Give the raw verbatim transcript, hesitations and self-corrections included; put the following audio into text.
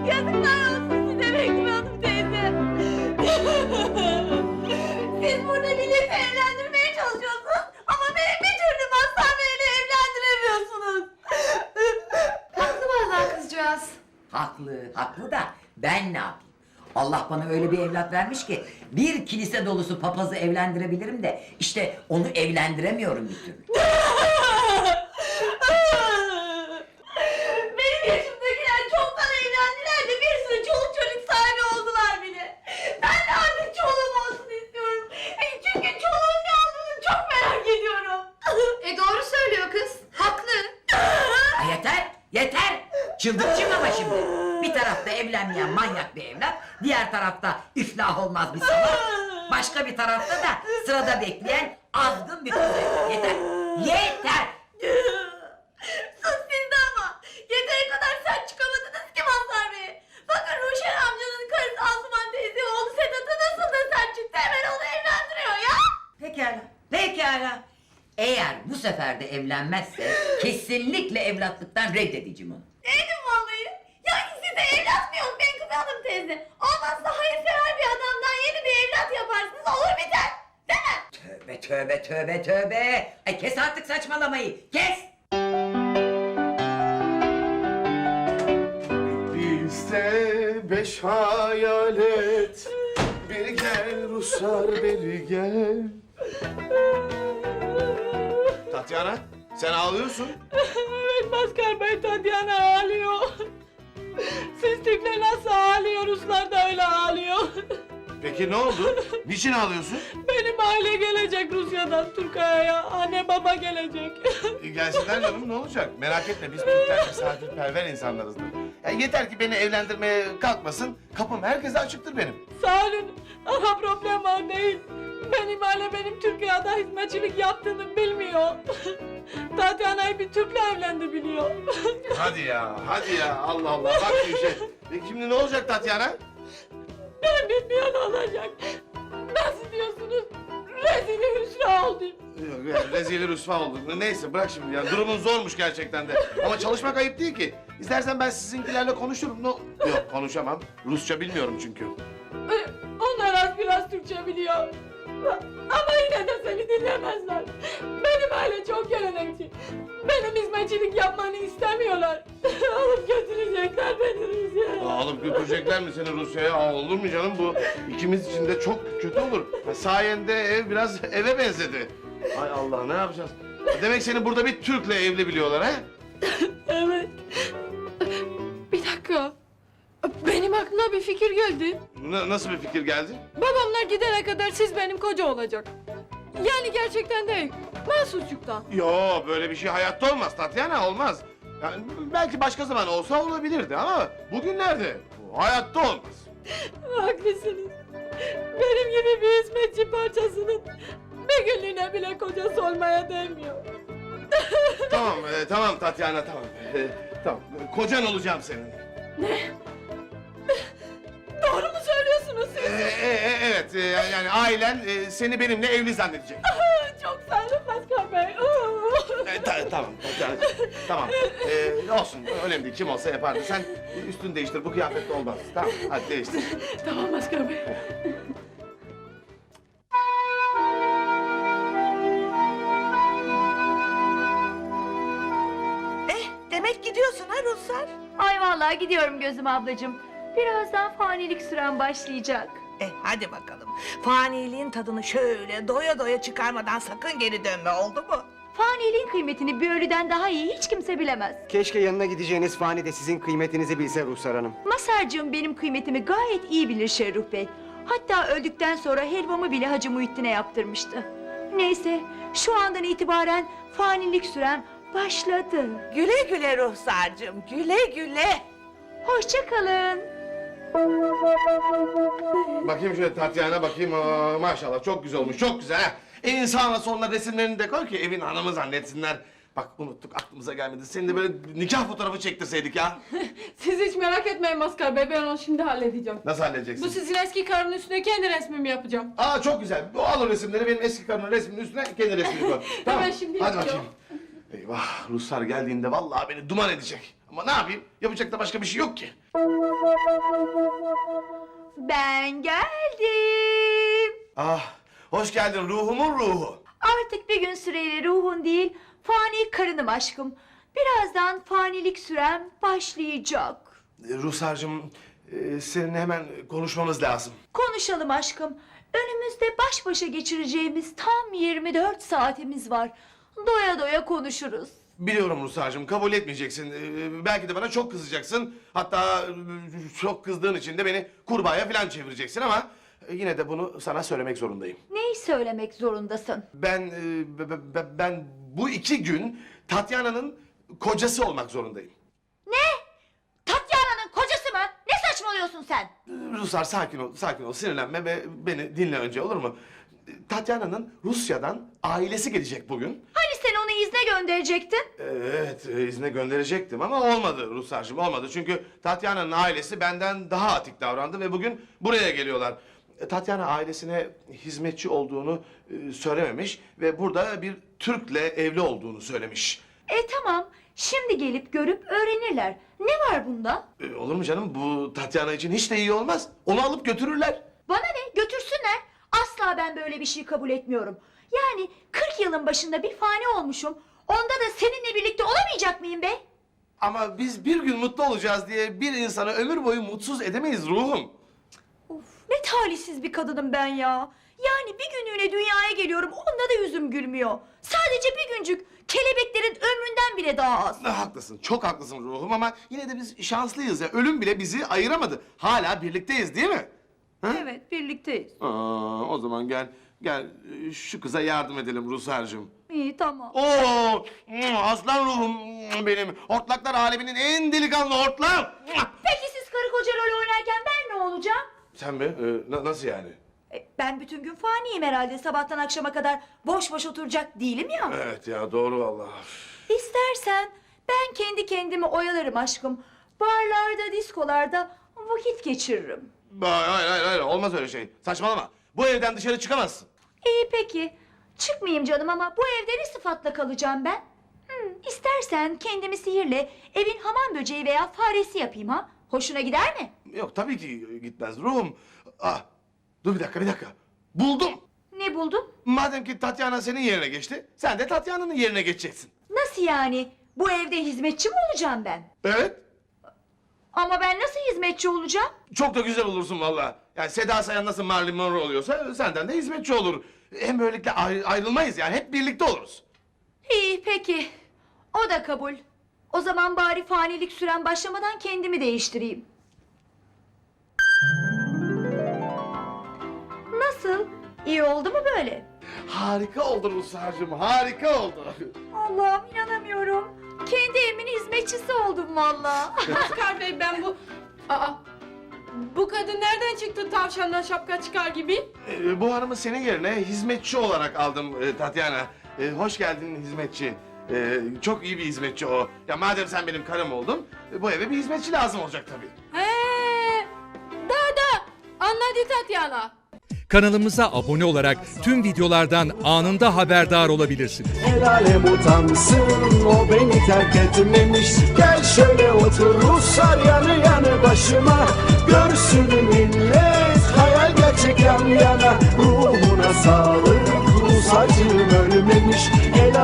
Yazıklar olsun size Menkıbe Hanım teyze. Siz burada milleti evlendirmeye çalışıyorsunuz ama beni bir türlü Mazhar Bey'le evlendiremiyorsunuz. Haklı vallahi kızcağız. Haklı, haklı da ben ne yapayım? Allah bana öyle bir evlat vermiş ki bir kilise dolusu papazı evlendirebilirim de işte onu evlendiremiyorum bir türlü. Benim yaşımdakiler çoktan evlendiler de bir sürü çoluk çocuk sahibi oldular bile. Ben de artık çoluğum olsun istiyorum. E, Çünkü çoluğun ne olduğunu çok merak ediyorum. E doğru söylüyor kız. Haklı. Ay yeter, yeter! Çıldıracağım ama şimdi. Bir tarafta evlenmeyen manyak bir evlat, diğer tarafta iflah olmaz bir salak, başka bir tarafta da sırada bekleyen azgın bir kız. Yeter, yeter! Sus siz de ama. Yeteri kadar sert çıkamadınız ki Mazhar Bey. Bakın Ruşen amcanın karısı Asuman teyze oğlu Sedat'a nasıl da sert çıktı. Hemen onu evlendiriyor ya. Pekala, pekala. Eğer bu sefer de evlenmezse kesinlikle evlatlıktan reddedeceğim onu. Neydim vallahi? Yani size evlat mı yok Menkıbe Hanım teyze? Olmazsa hayırsever bir adamdan yeni bir evlat yaparsınız olur biter. Değil mi? Tövbe tövbe tövbe tövbe. Ay kes artık saçmalamayı, kes! Bizde beş hayalet. Bir gel Ruslar beri gel. Tatyana, sen ağlıyorsun. Evet Mazhar Bey, Tatyana ağlıyor. Siz tipler nasıl ağlıyor, Ruslar da öyle ağlıyor. Peki ne oldu? Niçin ağlıyorsun? Benim aile gelecek Rusya'dan Türkiye'ye, anne baba gelecek. E, gelsinler canım, ne olacak? Merak etme, biz Türkler misafirperver insanlarızdır. Ya yeter ki beni evlendirmeye kalkmasın, kapım herkese açıktır benim. Sağ olun ama problem o değil. Benim aile benim Türkiye'de hizmetçilik yaptığını bilmiyor. Tatyana'yı bir Türk'le evlendi biliyor. Hadi ya, hadi ya, Allah Allah, bak şu işe. Peki şimdi ne olacak Tatyana? Ben bilmiyorum ne olacak. Nasıl diyorsunuz? Rezil hüsra oldum. Yok, yani rezil rüsva olduk. Neyse bırak şimdi ya, durumun zormuş gerçekten de. Ama çalışmak ayıp değil ki. İstersen ben sizinkilerle konuşurum. No... Yok konuşamam, Rusça bilmiyorum çünkü. Ee, Onlar az biraz Türkçe biliyor. Ama yine de seni dinlemezler. Benim aile çok gelenekçi. Benim hizmetçilik yapmanı istemiyorlar. Alıp götürecekler beni Rusya'ya. Aa, alıp götürecekler mi seni Rusya'ya? Aa, olur mu canım bu? İkimiz için de çok kötü olur. Ha, sayende ev biraz eve benzedi. Ay Allah, ne yapacağız? Demek seni burada bir Türk'le evli biliyorlar ha? Evet. Bir dakika. Benim aklıma bir fikir geldi. N- nasıl bir fikir geldi? Babamlar gidene kadar siz benim koca olacak. Yani gerçekten değil. Mahsusçuktan. Yo, böyle bir şey hayatta olmaz Tatyana, olmaz. Yani belki başka zaman olsa olabilirdi ama bugünlerde bu hayatta olmaz. Haklısınız. Benim gibi bir hizmetçi parçasının bir günlüğüne bile kocası olmaya değmiyor. Tamam, e, tamam Tatyana, tamam. E, tamam, kocan olacağım senin. Doğru mu söylüyorsunuz E, siz? e, e, evet, e, yani ailen e, seni benimle evli zannedecek. Çok sağ olun Mazhar Bey. E, ta- tamam, Tatyana, tamam. E, olsun, önemli değil, kim olsa yapardı. Sen üstünü değiştir, bu kıyafetle olmaz. Tamam, hadi değiştir. Tamam Mazhar Bey. Eh demek gidiyorsun ha Ruslar. Ay vallahi gidiyorum Gözüm ablacığım. Birazdan fanilik süren başlayacak. Eh hadi bakalım. Faniliğin tadını şöyle doya doya çıkarmadan sakın geri dönme, oldu mu? Faniliğin kıymetini bir ölüden daha iyi hiç kimse bilemez. Keşke yanına gideceğiniz fani de sizin kıymetinizi bilse Ruhsar Hanım. Masarcığım benim kıymetimi gayet iyi bilir Şerruh Bey. Hatta öldükten sonra helvamı bile Hacı Muhittin'e yaptırmıştı. Neyse şu andan itibaren fanilik sürem başladı. Güle güle Ruhsarcığım, güle güle. Hoşça kalın. Bakayım şöyle Tatyana, bakayım. Aa, maşallah çok güzel olmuş, çok güzel ha. En sağına soluna resimlerini de koy ki evin hanımı zannetsinler. Bak unuttuk, aklımıza gelmedi. Senin de böyle nikah fotoğrafı çektirseydik ya. Siz hiç merak etmeyin Mazhar Bey, ben onu şimdi halledeceğim. Nasıl halledeceksin? Bu sizin eski karının üstüne kendi resmimi yapacağım. Aa çok güzel. O al o resimleri, benim eski karımın resminin üstüne kendi resmini koy. Hemen şimdi Hadi yapıyorum. bakayım. Eyvah, Ruslar geldiğinde vallahi beni duman edecek. Ama ne yapayım? Yapacak da başka bir şey yok ki. Ben geldim. Ah, hoş geldin ruhumun ruhu. Artık bir gün süreyle ruhun değil, fani karınım aşkım. Birazdan fanilik sürem başlayacak. Ee, Ruhsar'cığım, e, seninle hemen konuşmamız lazım. Konuşalım aşkım. Önümüzde baş başa geçireceğimiz tam yirmi dört saatimiz var. Doya doya konuşuruz. Biliyorum Ruhsar'cığım, kabul etmeyeceksin. Ee, belki de bana çok kızacaksın. Hatta e, çok kızdığın için de beni kurbağaya falan çevireceksin ama... e, yine de bunu sana söylemek zorundayım. Neyi söylemek zorundasın? Ben, e, be- be- ben bu iki gün Tatyana'nın kocası olmak zorundayım. Tatyana'nın kocası mı? Ne saçmalıyorsun sen? Ruslar sakin ol, sakin ol, sinirlenme ve beni dinle önce, olur mu? Tatyana'nın Rusya'dan ailesi gelecek bugün. Hani sen onu izne gönderecektin? Evet, e, izne gönderecektim ama olmadı Ruslarcığım, olmadı. Çünkü Tatyana'nın ailesi benden daha atik davrandı ve bugün buraya geliyorlar. E, Tatyana ailesine hizmetçi olduğunu e, söylememiş ve burada bir Türk'le evli olduğunu söylemiş. E tamam, şimdi gelip görüp öğrenirler. Ne var bunda? E, olur mu canım? Bu Tatyana için hiç de iyi olmaz. Onu alıp götürürler. Bana ne? Götürsünler. Asla ben böyle bir şey kabul etmiyorum. Yani kırk yılın başında bir fani olmuşum. Onda da seninle birlikte olamayacak mıyım be? Ama biz bir gün mutlu olacağız diye bir insanı ömür boyu mutsuz edemeyiz ruhum. Of, ne talihsiz bir kadınım ben ya. Yani bir günlüğüne dünyaya geliyorum, onda da yüzüm gülmüyor. Sadece bir güncük, kelebeklerin ömründen bile daha az. Ah, haklısın, çok haklısın ruhum ama yine de biz şanslıyız ya. Ölüm bile bizi ayıramadı. Hala birlikteyiz değil mi? Ha? Evet, birlikteyiz. Aa, o zaman gel, gel şu kıza yardım edelim Ruhsar'cığım. İyi, tamam. Oo, aslan ruhum benim. Hortlaklar aleminin en delikanlı hortlağı. Peki siz karı koca rol oynarken ben ne olacağım? Sen mi? Ee, na- nasıl yani? E, ben bütün gün faniyim herhalde. Sabahtan akşama kadar boş boş oturacak değilim ya. Evet ya, doğru vallahi. İstersen ben kendi kendimi oyalarım aşkım. Barlarda, diskolarda vakit geçiririm. Hayır, hayır, hayır, hayır, olmaz öyle şey. Saçmalama. Bu evden dışarı çıkamazsın. İyi peki. Çıkmayayım canım ama bu evde ne sıfatla kalacağım ben? Hmm, istersen kendimi sihirle evin hamam böceği veya faresi yapayım ha. Hoşuna gider mi? Yok, tabii ki gitmez ruhum. Ah, dur bir dakika, bir dakika. Buldum. Ne buldun? Madem ki Tatyana senin yerine geçti, sen de Tatyana'nın yerine geçeceksin. Nasıl yani? Bu evde hizmetçi mi olacağım ben? Evet. Ama ben nasıl hizmetçi olacağım? Çok da güzel olursun vallahi. Yani Seda Sayan nasıl Marilyn Monroe oluyorsa senden de hizmetçi olur. Hem böylelikle ayrı- ayrılmayız yani, hep birlikte oluruz. İyi peki. O da kabul. O zaman bari fanilik süren başlamadan kendimi değiştireyim. Nasıl? İyi oldu mu böyle? Harika oldu Ruslar'cığım, harika oldu. Allah'ım inanamıyorum. Kendi evimin hizmetçisi oldum vallahi. Oscar Bey, ben bu... Aa, bu kadın nereden çıktı tavşandan şapka çıkar gibi? Ee, bu hanımı senin yerine hizmetçi olarak aldım e, Tatyana. Ee, hoş geldin hizmetçi. Ee, çok iyi bir hizmetçi o. Ya madem sen benim karım oldun, e, bu eve bir hizmetçi lazım olacak tabii. He, da da anladı Tatyana. Kanalımıza abone olarak tüm videolardan anında haberdar olabilirsiniz. El alem utansın, o beni terk etmemiş. Gel şöyle otur Ruslar yanı yanı başıma. Görsün millet, hayal gerçek yan yana. Ruhuna sağlık, Rus acım ölmemiş. El